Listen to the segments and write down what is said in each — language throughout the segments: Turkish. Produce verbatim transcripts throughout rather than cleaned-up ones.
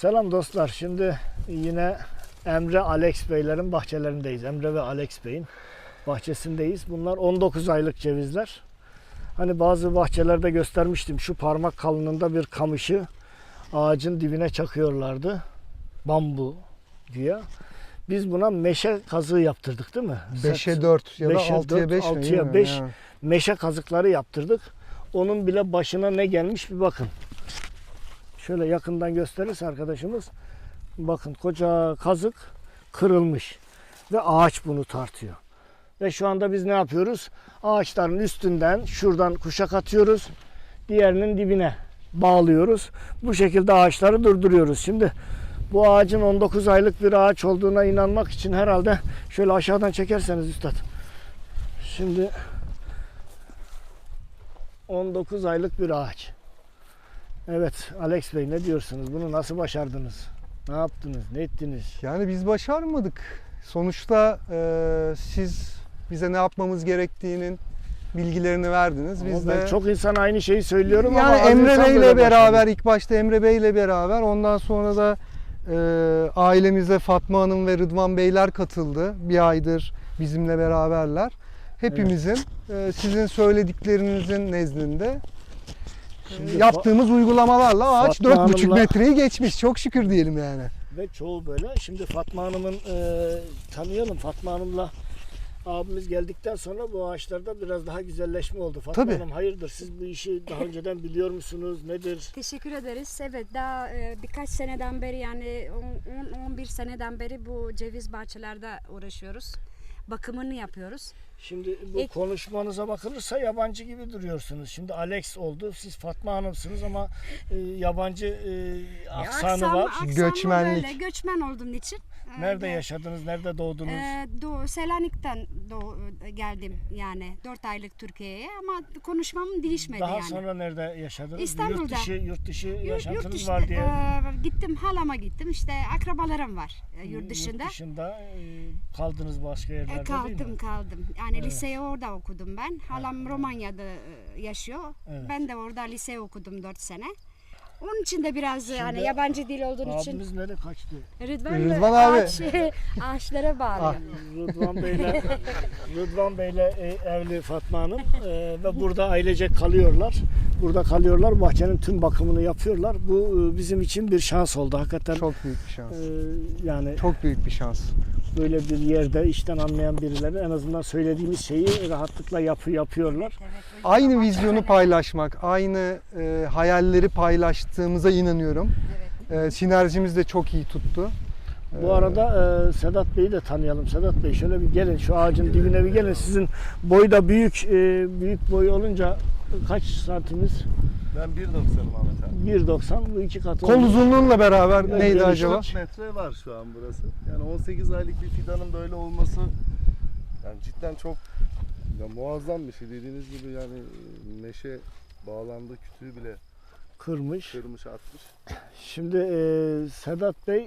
Selam dostlar. Şimdi yine Emre Alex Beylerin bahçelerindeyiz. Emre ve Alex Bey'in bahçesindeyiz. Bunlar on dokuz aylık cevizler. Hani bazı bahçelerde göstermiştim. Şu parmak kalınlığında bir kamışı ağacın dibine çakıyorlardı. Bambu diye. Biz buna meşe kazığı yaptırdık değil mi? beşe dört ya da altıya beş mi? altıya beş meşe kazıkları yaptırdık. Onun bile başına ne gelmiş bir bakın. Şöyle yakından gösterirse arkadaşımız, bakın koca kazık kırılmış ve ağaç bunu tartıyor. Ve şu anda biz ne yapıyoruz? Ağaçların üstünden şuradan kuşak atıyoruz. Diğerinin dibine bağlıyoruz. Bu şekilde ağaçları durduruyoruz. Şimdi bu ağacın on dokuz aylık bir ağaç olduğuna inanmak için herhalde şöyle aşağıdan çekerseniz üstad. Şimdi on dokuz aylık bir ağaç. Evet Alex Bey, ne diyorsunuz? Bunu nasıl başardınız? Ne yaptınız? Ne ettiniz? Yani biz başarmadık. Sonuçta e, siz bize ne yapmamız gerektiğinin bilgilerini verdiniz. Biz Ama ben de çok insan aynı şeyi söylüyorum yani ama az Emre insan Bey'le böyle beraber başarıyor. ilk başta Emre Bey'le beraber ondan sonra da e, ailemize Fatma Hanım ve Rıdvan Beyler katıldı. Bir aydır bizimle beraberler. Hepimizin e, sizin söylediklerinizin nezdinde Şimdi yaptığımız uygulamalarla ağaç Fatma dört buçuk Hanım'la- metreyi geçmiş. Çok şükür diyelim yani. Ve çoğu böyle. Şimdi Fatma Hanım'ın e, tanıyalım. Fatma Hanım'la abimiz geldikten sonra bu ağaçlarda biraz daha güzelleşme oldu. Fatma Tabii. Hanım hayırdır? Siz bu işi daha önceden biliyor musunuz? Nedir? Teşekkür ederiz. Evet, daha e, birkaç seneden beri, yani on on bir seneden beri bu ceviz bahçelerde uğraşıyoruz. Bakımını yapıyoruz. Şimdi bu İlk- konuşmanıza bakılırsa yabancı gibi duruyorsunuz. Şimdi Alex oldu. Siz Fatma Hanım'sınız ama e, yabancı e, aksanı Aksam- var. aksanı Göçmenlik. Böyle, göçmen olduğum için. e, Nerede de- yaşadınız? Nerede doğdunuz? E, doğu, Selanik'ten doğu, geldim yani dört aylık Türkiye'ye, ama konuşmam değişmedi Daha yani. sonra nerede yaşadınız? İstanbul'da. Yurt dışı, yurt dışı Yurt- yaşantınız yurt dışında, var diye. e, gittim, halama gittim, işte akrabalarım var e, yurt dışında. Yurt dışında e, kaldınız başka yerlerde E, değil kaldım mi? kaldım. Yani Evet. liseyi orada okudum ben. Halam Romanya'da e, yaşıyor. Evet. Ben de orada lise okudum dört sene. Onun için de biraz Şimdi hani yabancı dil olduğu için Abimiz nereye kaçtı? Rıdvan, Rıdvan abi. ağaç, ağaçlara bağlı. Ah. Rıdvan Bey'le Rıdvan Bey'le e, evli Fatma Hanım e, ve burada ailecek kalıyorlar. Burada kalıyorlar. Bahçenin tüm bakımını yapıyorlar. Bu e, bizim için bir şans oldu hakikaten. Çok büyük bir şans. e, yani Çok büyük bir şans. böyle bir yerde işten anlayan birileri en azından söylediğimiz şeyi rahatlıkla yapı yapıyorlar. Evet, Aynı vizyonu paylaşmak, aynı e, hayalleri paylaştığımıza inanıyorum. Evet. E, sinerjimiz de çok iyi tuttu. Bu arada e, Sedat Bey'i de tanıyalım. Sedat Bey şöyle bir gelin, şu ağacın dibine bir gelin. Sizin boy da büyük, e, büyük boy olunca kaç santimiz? Ben bir doksanım Ahmet abi. bir doksan, bu iki katı. Kol oldu. uzunluğunla beraber Yani neydi geniş acaba? dört metre var şu an burası. Yani on sekiz aylık bir fidanın böyle olması yani cidden çok ya muazzam bir şey. Dediğiniz gibi yani meşe bağlandı, kütüğü bile Kırmış. kırmış atmış. Şimdi e, Sedat Bey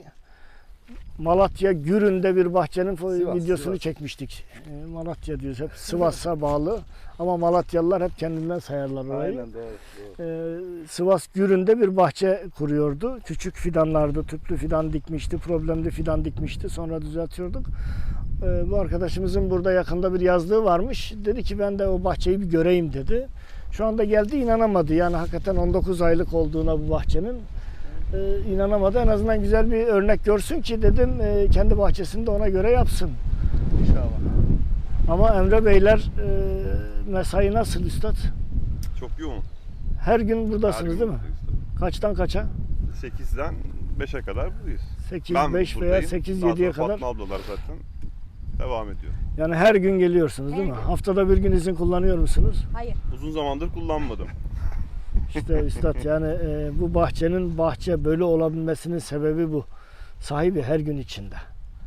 Malatya Gürün'de bir bahçenin fo- Sivas, videosunu Sivas. çekmiştik. E, Malatya diyoruz, hep Sivas'a bağlı ama Malatyalılar hep kendinden sayarlar orayı. Aynen doğru. doğru. E, Sivas Gürün'de bir bahçe kuruyordu. Küçük fidanlardı, tüplü fidan dikmişti, problemli fidan dikmişti. Sonra düzeltiyorduk. E, bu arkadaşımızın burada yakında bir yazlığı varmış. Dedi ki ben de o bahçeyi bir göreyim dedi. Şu anda geldi, inanamadı. Yani hakikaten on dokuz aylık olduğuna bu bahçenin. Ee, inanamadı. En azından güzel bir örnek görsün ki dedim e, kendi bahçesinde ona göre yapsın. İnşallah. Ama Emre Beyler e, mesai nasıl üstad? Çok yoğun. Her gün buradasınız Her gün değil mi? buradayız Kaçtan kaça? tabii. sekizden beşe kadar buradayız. sekiz, Ben beş veya buradayım. sekiz, Daha yediye sonra kadar. Fatma ablalar zaten devam ediyor. Yani her gün geliyorsunuz değil Her mi? gün. Haftada bir gün izin kullanıyor musunuz? Hayır. Uzun zamandır kullanmadım. İşte üstad yani e, bu bahçenin bahçe böyle olabilmesinin sebebi bu. Sahibi her gün içinde.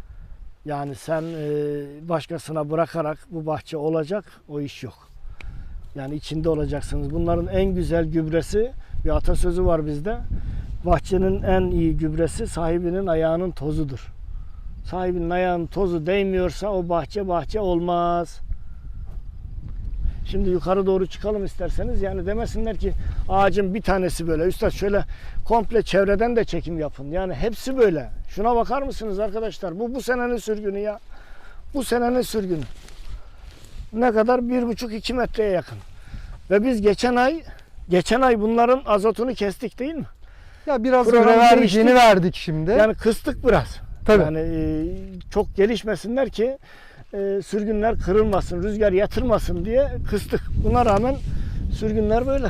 Yani sen e, başkasına bırakarak bu bahçe olacak, o iş yok. Yani içinde olacaksınız. Bunların en güzel gübresi, bir atasözü var bizde. Bahçenin en iyi gübresi sahibinin ayağının tozudur. Sahibinin ayağının tozu değmiyorsa o bahçe bahçe olmaz. Şimdi yukarı doğru çıkalım isterseniz. Yani demesinler ki ağacın bir tanesi böyle. Üstad şöyle komple çevreden de çekim yapın. Yani hepsi böyle. Şuna bakar mısınız arkadaşlar? Bu bu senenin sürgünü ya. Bu senenin sürgünü. Ne kadar? Bir buçuk iki metreye yakın. Ve biz geçen ay geçen ay bunların azotunu kestik değil mi? Ya biraz Programı görev değiştik. verdiğini verdik şimdi. Yani kıstık biraz. Tabii. Yani e, çok gelişmesinler ki e, sürgünler kırılmasın, rüzgar yatırmasın diye kıstık. Buna rağmen sürgünler böyle.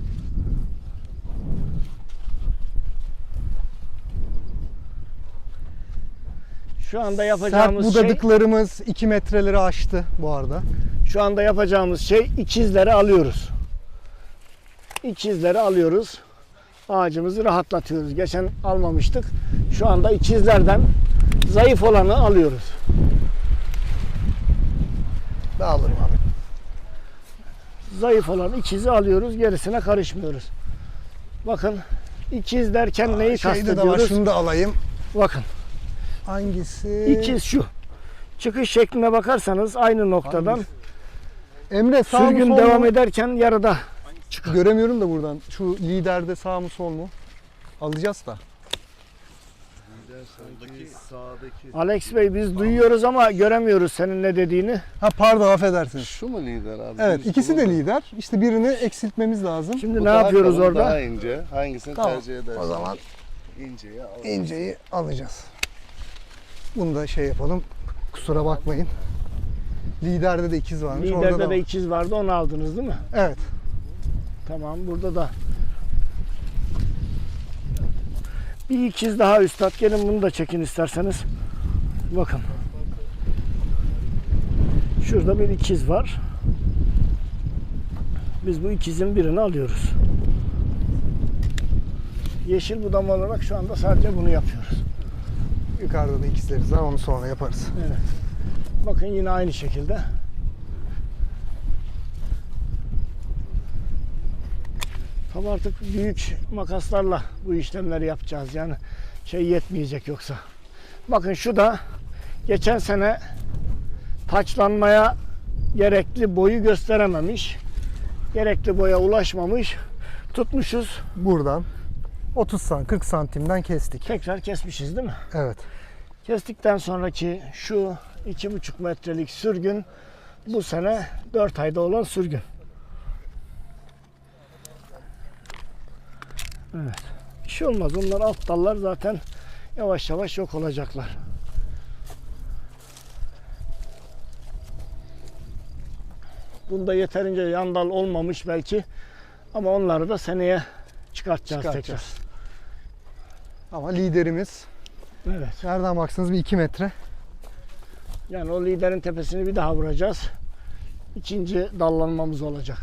Şu anda Sert yapacağımız şey, budadıklarımız iki metreleri aştı bu arada. şu anda yapacağımız şey ikizleri alıyoruz. İkizleri alıyoruz. Ağacımızı rahatlatıyoruz. Geçen almamıştık. Şu anda ikizlerden zayıf olanı alıyoruz. Ben alırım abi. Zayıf olan ikizi alıyoruz. Gerisine karışmıyoruz. Bakın ikiz derken neyi Şeyde de var, kastediyoruz? şunu da alayım. Bakın Hangisi? ikiz şu. Çıkış şekline bakarsanız aynı noktadan Hangisi? Emre sağ mı sürgün sol devam mu? ederken yarıda. Göremiyorum da buradan. Şu liderde sağ mı sol mu? Alacağız da. Sanki sağdaki. Alex Bey biz duyuyoruz ama göremiyoruz senin ne dediğini. Ha pardon, affedersiniz. Şu mu lider abi? Evet, Düz ikisi de bulundu. lider. İşte birini eksiltmemiz lazım. Şimdi Bu ne daha yapıyoruz kalın, orada? Daha ince. Hangisini Tamam, tercih edersin? o zaman inceyi al. İnceyi alacağız. Bunu da şey yapalım. Kusura bakmayın. Liderde de ikiz varmış. Orada Liderde da de var. ikiz vardı, onu aldınız değil mi? Evet. Tamam, burada da bir ikiz daha üstad. Gelin bunu da çekin isterseniz. Bakın. Şurada bir ikiz var. Biz bu ikizin birini alıyoruz. Yeşil budama olarak şu anda sadece bunu yapıyoruz. Yukarıda da ikizleriz var. Onu sonra yaparız. Evet. Bakın yine aynı şekilde. Tabii artık büyük makaslarla bu işlemleri yapacağız. Yani şey yetmeyecek yoksa. Bakın şu da geçen sene taçlanmaya gerekli boyu gösterememiş. Gerekli boya ulaşmamış. Tutmuşuz. Buradan otuz santim, kırk santimden kestik. Tekrar kesmişiz değil mi? Evet. Kestikten sonraki şu iki buçuk metrelik sürgün bu sene dört ayda olan sürgün. Evet. Bir şey olmaz. Onlar alt dallar zaten yavaş yavaş yok olacaklar. Bunda yeterince yan dal olmamış belki ama onları da seneye çıkartacağız, Çıkartacağız. tekrar. Ama liderimiz Evet. nereden baksanız bir iki metre. Yani o liderin tepesini bir daha vuracağız. İkinci dallanmamız olacak.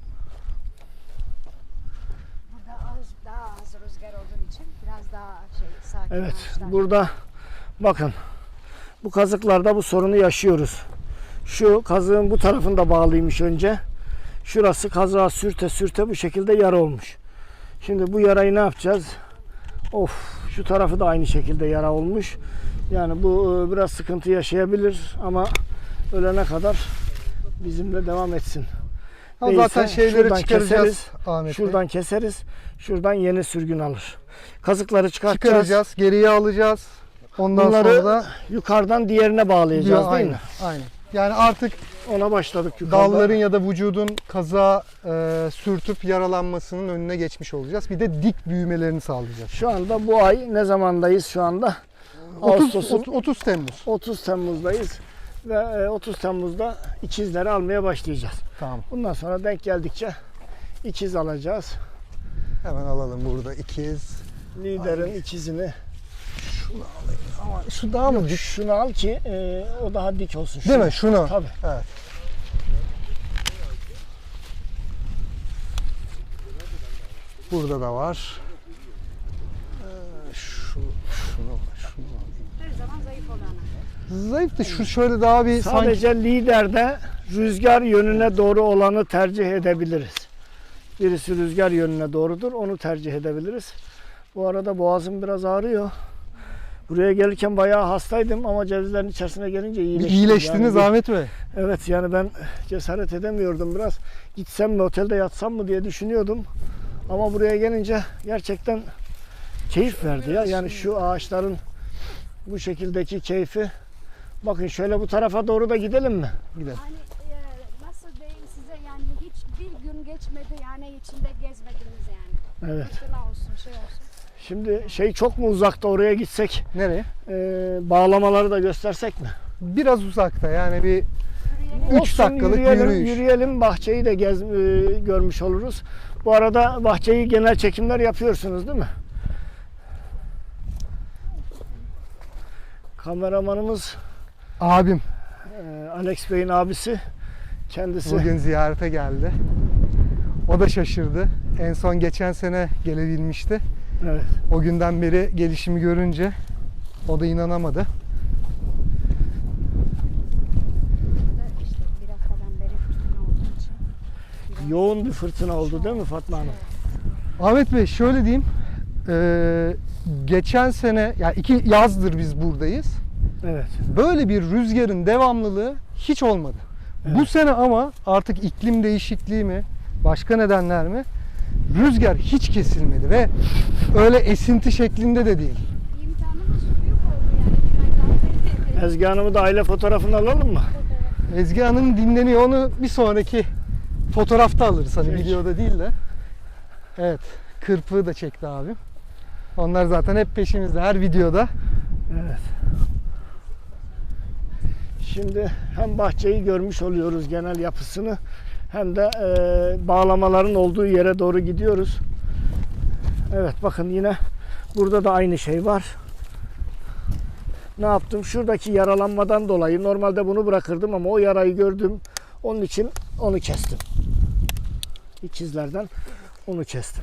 Burada az, daha az rüzgar olduğu için biraz daha şey sakin Evet, ağaçlar. burada bakın bu kazıklarda bu sorunu yaşıyoruz. Şu kazığın bu tarafında bağlıymış önce. Şurası kazığa sürte sürte bu şekilde yara olmuş. Şimdi bu yarayı ne yapacağız? Of, şu tarafı da aynı şekilde yara olmuş. Yani bu e, biraz sıkıntı yaşayabilir ama ölene kadar bizimle devam etsin. Ha, Değilse zaten şeyleri şuradan çıkaracağız keseriz, Ahmet Bey. Şuradan keseriz. Şuradan yeni sürgün alır. Kazıkları çıkartacağız. Çıkaracağız, geriye alacağız. Ondan Bunları sonra da yukarıdan diğerine bağlayacağız değil aynen, mi? aynen. Yani artık Ona başladık yukarıda. dalların ya da vücudun kaza e, sürtüp yaralanmasının önüne geçmiş olacağız. Bir de dik büyümelerini sağlayacağız. Şu anda bu ay ne zamandayız şu anda? otuz, Ağustos'un otuz Temmuz. otuz Temmuz'dayız ve otuz Temmuz'da ikizleri almaya başlayacağız. Tamam. Bundan sonra denk geldikçe ikiz alacağız. Hemen alalım burada ikiz. Liderin ikizini. Ama şu daha mı dik? Şunu al ki e, o daha dik olsun. Değil Şunu. mi? Şunu. Tabii. Evet. Burada da var. Ee, şu, şunu, şunu. Her zaman zayıf olanı. Zayıf da şu şöyle daha bir sanki Sadece liderde rüzgar yönüne doğru olanı tercih edebiliriz. Birisi rüzgar yönüne doğrudur, onu tercih edebiliriz. Bu arada boğazım biraz ağrıyor. Buraya gelirken bayağı hastaydım ama cevizlerin içerisine gelince Bir iyileştim. iyileştiniz Yani bir- Ahmet Bey. Evet yani ben cesaret edemiyordum biraz. Gitsem mi otelde yatsam mı diye düşünüyordum. Ama buraya gelince gerçekten keyif verdi ya. Yani şu ağaçların bu şekildeki keyfi. Bakın şöyle bu tarafa doğru da gidelim mi? Gidelim. Hani e, nasıl diyeyim size yani hiç bir gün geçmedi yani içinde gezmediniz yani. Evet. Fırtına olsun şey olsun. Şimdi şey çok mu uzakta, oraya gitsek Nereye? e, bağlamaları da göstersek mi? Biraz uzakta yani bir Yürüyelim. Üç Olsun, dakikalık yürüyelim, yürüyüş. Yürüyelim, bahçeyi de gez, e, görmüş oluruz. Bu arada bahçeyi genel çekimler yapıyorsunuz değil mi? Kameramanımız abim e, Alex Bey'in abisi. Kendisi bugün ziyarete geldi. O da şaşırdı. En son geçen sene gelebilmişti. evet. O günden beri gelişimi görünce o da inanamadı. Burada işte bir haftadan beri fırtına olduğu için. biraz- Yoğun bir fırtına oldu değil mi Fatma Hanım? Ahmet Bey şöyle diyeyim. Eee, geçen sene yani iki yazdır biz buradayız. Evet. Böyle bir rüzgarın devamlılığı hiç olmadı. Bu Evet. sene ama artık iklim değişikliği mi, başka nedenler mi? Rüzgar hiç kesilmedi ve öyle esinti şeklinde de değil. İmkanımız büyük oldu yani bir ay daha beri. Ezgi Hanım'ı da aile fotoğrafını alalım mı? Ezgi Hanım dinleniyor. Onu bir sonraki fotoğrafta alırız. Hani Peki. videoda değil de. Evet. Kırpığı da çekti abim. Onlar zaten hep peşimizde. Her videoda. Evet. Şimdi hem bahçeyi görmüş oluyoruz genel yapısını hem de e, bağlamaların olduğu yere doğru gidiyoruz. Evet bakın yine burada da aynı şey var. Ne yaptım? Şuradaki yaralanmadan dolayı normalde bunu bırakırdım ama o yarayı gördüm. Onun için onu kestim. İkizlerden onu kestim.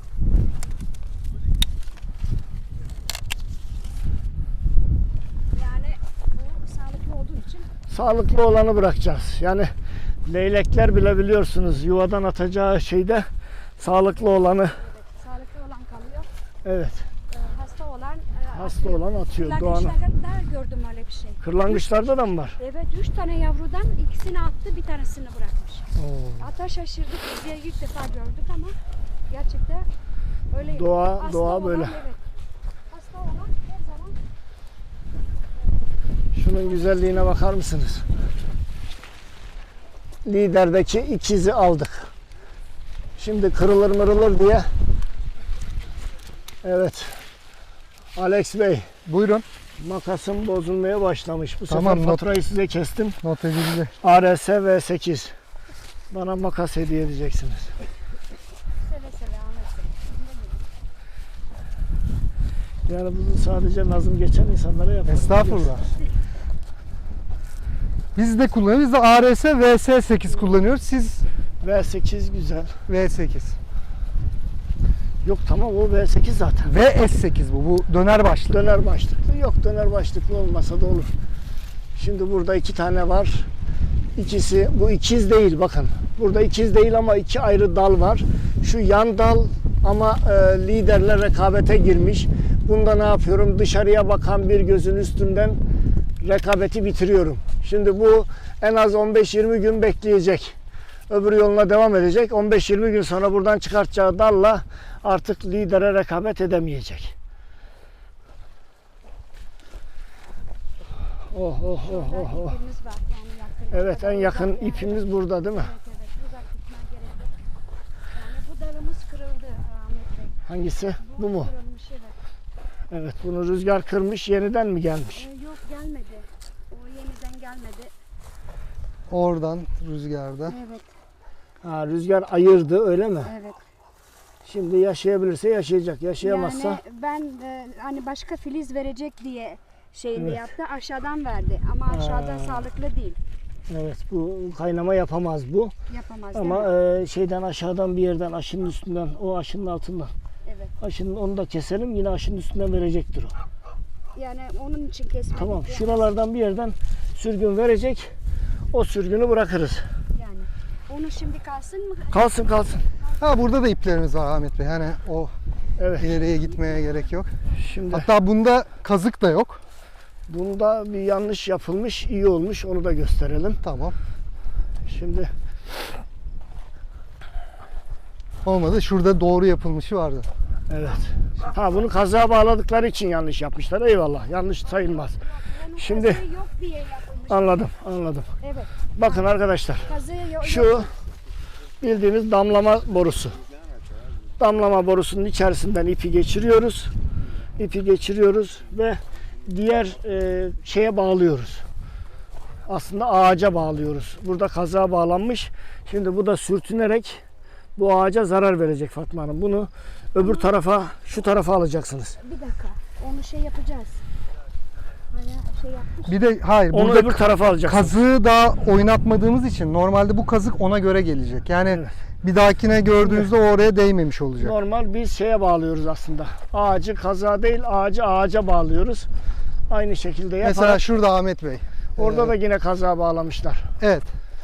Yani bu sağlıklı olduğu için Sağlıklı olanı bırakacağız. Yani leylekler bile biliyorsunuz yuvadan atacağı şeyde sağlıklı olanı, evet, sağlıklı olan kalıyor. evet, Ee, hasta olan e, hasta atıyor. olan atıyor. Doğanı. Kırlangıçlarda gördüm öyle bir şey. Kırlangıçlarda da mı var? Evet, üç tane yavrudan ikisini attı, bir tanesini bırakmış. Hatta şaşırdık, biz de ilk defa gördük ama gerçekten öyle. Doğa- Hasta doğa olan, böyle. Evet. Hasta olan her zaman Şunun güzelliğine bakar mısınız? Liderdeki ikizi aldık. Şimdi kırılır mırılır diye. Evet. Alex Bey, Buyurun. makasım bozulmaya başlamış. Bu Tamam, sefer not- faturayı size kestim. Not edildi. A R S V sekiz. Bana makas hediye edeceksiniz. seve seve Ahmet Bey. Yani bunu sadece nazım geçen insanlara yaparız. Estağfurullah. Biz de kullanıyoruz. Biz de A R S V S sekiz kullanıyoruz. Siz V sekiz güzel. V sekiz. Yok tamam o V sekiz zaten. V S sekiz bu. Bu döner başlı. Döner başlıklı yok, döner başlıklı olmasa da olur. Şimdi burada iki tane var. İkisi bu ikiz değil bakın. Burada ikiz değil ama iki ayrı dal var. Şu yan dal ama e, liderle rekabete girmiş. Bunda ne yapıyorum? Dışarıya bakan bir gözün üstünden rekabeti bitiriyorum. Şimdi bu en az on beş yirmi gün bekleyecek. Öbür yoluna devam edecek. on beş yirmi gün sonra buradan çıkartacağı dalla artık lidere rekabet edemeyecek. Oh oh oh Burada oh oh. ipimiz var yani yakın. Evet en yakın Uzak yani. ipimiz burada değil mi? Evet evet uzak gitmeye gerek yok. Yani bu dalımız kırıldı Ahmet Bey. Hangisi? Bu mu? Kırılmış evet. Evet bunu rüzgar kırmış, yeniden mi gelmiş? Ee, yok gelmedi. O yeniden gelmedi. Oradan rüzgarda. Evet Ha, rüzgar ayırdı öyle mi? evet. Şimdi yaşayabilirse yaşayacak. Yaşayamazsa Yani ben e, hani başka filiz verecek diye şeyini Evet. yaptı. Aşağıdan verdi ama aşağıdan Ha. sağlıklı değil. evet bu kaynama yapamaz bu. Yapamaz Ama değil mi? e, şeyden aşağıdan bir yerden aşının üstünden o aşının altından. Evet. Aşının onu da keselim yine aşının üstünden verecektir o. Yani onun için kesmedik. Tamam yani. şuralardan bir yerden sürgün verecek. O sürgünü bırakırız. Yani onu şimdi kalsın mı? Kalsın kalsın. Ha burada da iplerimiz var Ahmet Bey. Hani o Evet. İleriye gitmeye gerek yok. Şimdi Hatta bunda kazık da yok. bunda bir yanlış yapılmış, iyi olmuş. Onu da gösterelim. Tamam. Şimdi Olmadı. Şurada doğru yapılmışı vardı. evet. Ha bunu kazığa bağladıkları için yanlış yapmışlar. Eyvallah. Yanlış sayılmaz. Onun Şimdi- kazığı yok diye yapılmış. Anladım, anladım. Evet. Bakın arkadaşlar. Kazığı yok. Şu bildiğimiz damlama borusu. Damlama borusunun içerisinden ipi geçiriyoruz. İpi geçiriyoruz ve diğer e, şeye bağlıyoruz. Aslında ağaca bağlıyoruz. Burada kazığa bağlanmış. Şimdi bu da sürtünerek bu ağaca zarar verecek Fatma Hanım. Bunu öbür tarafa, şu tarafa alacaksınız. Bir dakika. Onu şey yapacağız. Hani şey yapmış. Bir de hayır Onu burada öbür tarafa alacaksınız. kazığı daha oynatmadığımız için normalde bu kazık ona göre gelecek. Yani Evet. bir dahakine gördüğünüzde o oraya değmemiş olacak. Normal biz şeye bağlıyoruz aslında. Ağacı kazığa değil, ağacı ağaca bağlıyoruz. Aynı şekilde yaparak. Mesela şurada Ahmet Bey. Orada Ee, da yine kazığa bağlamışlar. Evet.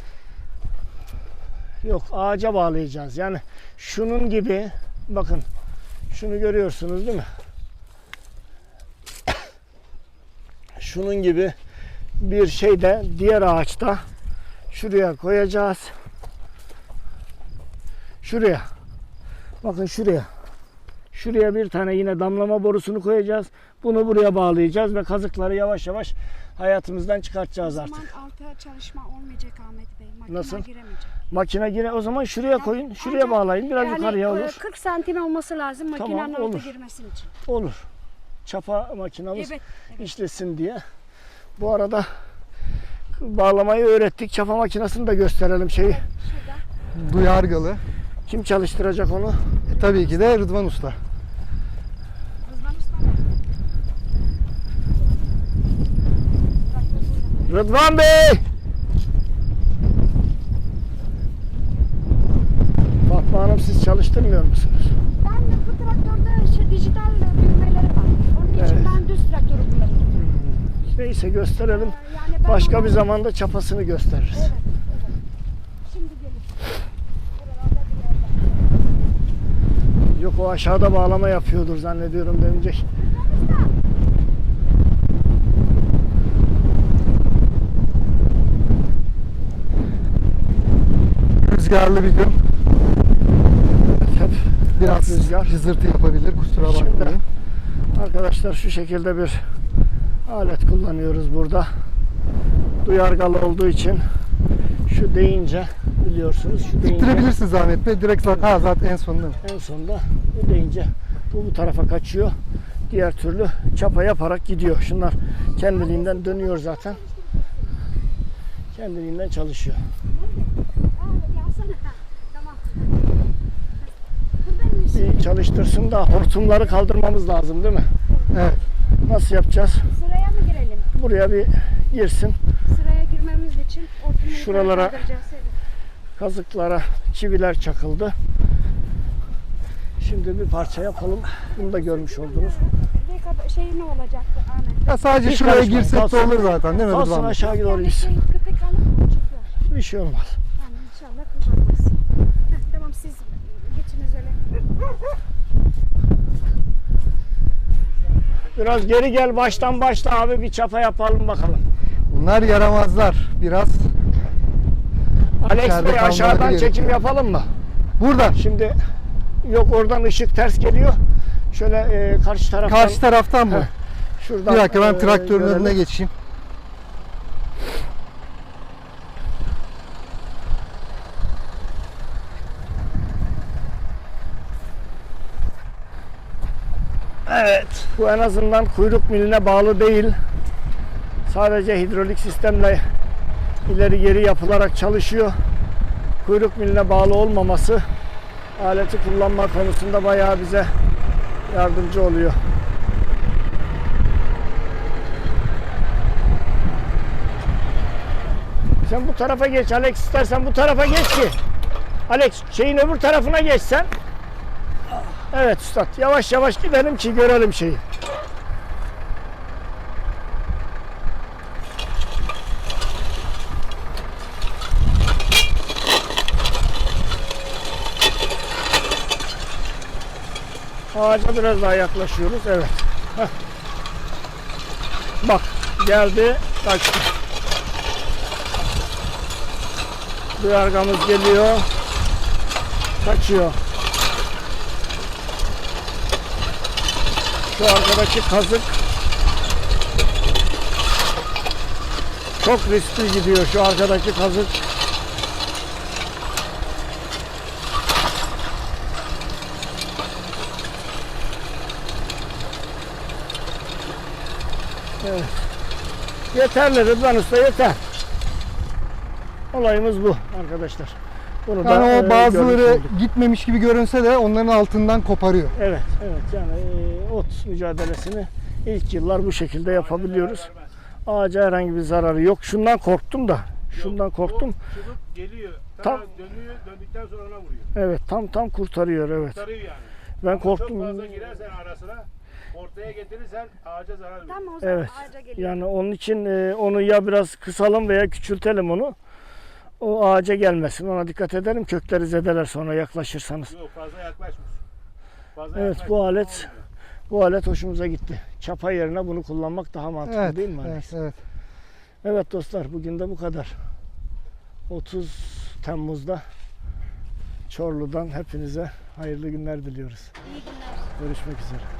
Yok, ağaca bağlayacağız. Yani şunun gibi, bakın şunu görüyorsunuz değil mi? Şunun gibi bir şey de diğer ağaçta şuraya koyacağız. Şuraya. Bakın şuraya. Şuraya bir tane yine damlama borusunu koyacağız. Bunu buraya bağlayacağız ve kazıkları yavaş yavaş hayatımızdan O çıkartacağız zaman artık. alta çalışma olmayacak Ahmet Bey. Makine Nasıl? giremeyecek. Makine yine o zaman şuraya koyun. Şuraya Ancak bağlayın. Biraz yani, yukarıya e, olur. kırk santim olması lazım Tamam, makinenin alta olur. girmesi için. Olur. Çapa makinamız Evet. işlesin diye. Bu arada bağlamayı öğrettik. Çapa makinesini de gösterelim şeyi. Şurada. Duyargalı. Kim çalıştıracak onu? E, tabii ki de Rıdvan Usta. Rızvan Usta mı? Traktör burada. Rıdvan Bey! Fatma Hanım siz çalıştırmıyor musunuz? Ben de bu traktörde şey, dijital düğmeleri var. Onun için Evet. ben düz traktörü kullanıyorum. Neyse gösterelim. Ee, Yani ben Başka onu- bir zamanda çapasını gösteririz. Evet, evet. Şimdi gelin. Buralarda bir yerde. Yok o aşağıda bağlama yapıyordur zannediyorum demeyecek. Rüzgarlı bir gün. Hep Biraz rüzgar. cızırtı yapabilir. Kusura Şimdi- bakmayın. Arkadaşlar şu şekilde bir alet kullanıyoruz burada. Duyargalı olduğu için şu deyince biliyorsunuz şu deyince İttirebilirsiniz Ahmet Bey. Direkt zaten, ha, zaten en sonunda mı? en sonunda bu deyince bu bu tarafa kaçıyor. Diğer türlü çapa yaparak gidiyor. Şunlar kendiliğinden dönüyor zaten. Kendiliğinden çalışıyor. Aa, yazsana. Tamam. Burada mıyız? Bir çalıştırsın da hortumları kaldırmamız lazım değil mi? Evet. Nasıl yapacağız? Sıraya mı girelim? Buraya bir girsin. Sıraya girmemiz için ortamı Şuralara- kaldıracağız. Evet. Kazıklara çiviler çakıldı. Şimdi bir parça yapalım. Bunu da görmüş oldunuz. Reka- Şey ne olacaktı Ahmet? Ya sadece Hiç şuraya karışmayın, girsek de kalsın. olur zaten değil mi Kalsın Rıdvan Bey? aşağı doğru Yani gitsin. şey, köpek alıp mı çıkıyor? Bir şey olmaz. Yani inşallah kullanmaz. Heh, tamam siz geçiniz öyle. Biraz geri gel baştan başla abi bir çapa yapalım bakalım. Bunlar yaramazlar. Biraz Alex İçeride Bey kalmaları aşağıdan çekim gerekiyor. yapalım mı? burada. Şimdi yok oradan ışık ters geliyor. Şöyle e, karşı taraftan Karşı taraftan mı? Heh, şuradan Bir dakika ben e, traktörün görelim. önüne geçeyim. Evet. Bu en azından kuyruk miline bağlı değil. Sadece hidrolik sistemle ileri geri yapılarak çalışıyor. Kuyruk miline bağlı olmaması aleti kullanma konusunda bayağı bize yardımcı oluyor. Sen bu tarafa geç Alex, istersen bu tarafa geç ki. Alex şeyin öbür tarafına geç sen. Evet üstad yavaş yavaş gidelim ki görelim şeyi. Ağaca biraz daha yaklaşıyoruz. Evet. Heh. Bak geldi, kaçtı. Duyargamız geliyor. Kaçıyor. Şu arkadaki kazık çok riskli gidiyor şu arkadaki kazık. Evet. Yeterli Rıdvan Usta, yeter. Olayımız bu arkadaşlar. Bunu da, Yani e, o bazıları görmüş olduk. gitmemiş gibi görünse de onların altından koparıyor. Evet, evet yani e, ot mücadelesini ilk yıllar bu şekilde yapabiliyoruz. Ağaca herhangi bir zararı yok. Şundan korktum da. Şundan korktum. Çubuk geliyor, Tam- tam dönüyor, döndükten sonra ona vuruyor. Evet, tam tam kurtarıyor, evet. Sarıyor yani. Ben Ama korktum. Çok fazla girersen arasına, ortaya getirirsen ağaca zarar verir. Tam o zaman Evet. ağaca geliyor. Yani onun için e, onu ya biraz kısalım veya küçültelim onu. O ağaca gelmesin. Ona dikkat ederim. Kökleri zedeler sonra yaklaşırsanız. Yok fazla yaklaşmış. Fazla Evet, yaklaşmış, bu alet olmuyor. bu alet hoşumuza gitti. Çapa yerine bunu kullanmak daha mantıklı Evet, değil mi? evet, Alex? evet. Evet dostlar, bugün de bu kadar. otuz Temmuz'da Çorlu'dan hepinize hayırlı günler diliyoruz. İyi günler. Görüşmek üzere.